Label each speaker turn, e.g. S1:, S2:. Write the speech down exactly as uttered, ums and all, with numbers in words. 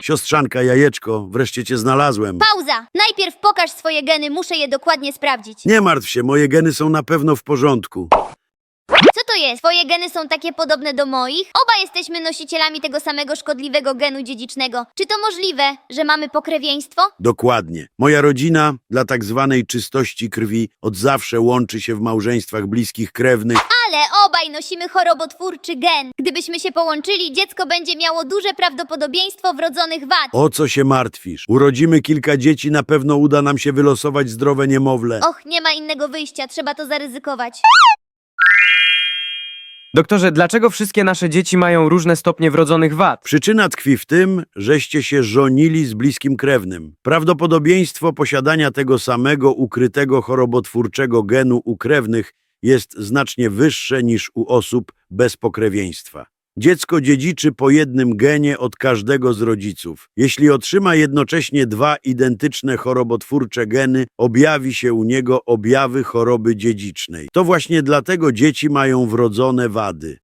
S1: Siostrzanka, jajeczko, wreszcie cię znalazłem.
S2: Pauza! Najpierw pokaż swoje geny, muszę je dokładnie sprawdzić.
S1: Nie martw się, moje geny są na pewno w porządku.
S2: Co to jest? Twoje geny są takie podobne do moich? Oba jesteśmy nosicielami tego samego szkodliwego genu dziedzicznego. Czy to możliwe, że mamy pokrewieństwo?
S1: Dokładnie. Moja rodzina dla tak zwanej czystości krwi od zawsze łączy się w małżeństwach bliskich krewnych.
S2: Ale obaj nosimy chorobotwórczy gen. Gdybyśmy się połączyli, dziecko będzie miało duże prawdopodobieństwo wrodzonych wad.
S1: O co się martwisz? Urodzimy kilka dzieci, na pewno uda nam się wylosować zdrowe niemowlę.
S2: Och, nie ma innego wyjścia, trzeba to zaryzykować.
S3: Doktorze, dlaczego wszystkie nasze dzieci mają różne stopnie wrodzonych wad?
S1: Przyczyna tkwi w tym, żeście się żonili z bliskim krewnym. Prawdopodobieństwo posiadania tego samego ukrytego chorobotwórczego genu u krewnych jest znacznie wyższe niż u osób bez pokrewieństwa. Dziecko dziedziczy po jednym genie od każdego z rodziców. Jeśli otrzyma jednocześnie dwa identyczne chorobotwórcze geny, objawi się u niego objawy choroby dziedzicznej. To właśnie dlatego dzieci mają wrodzone wady.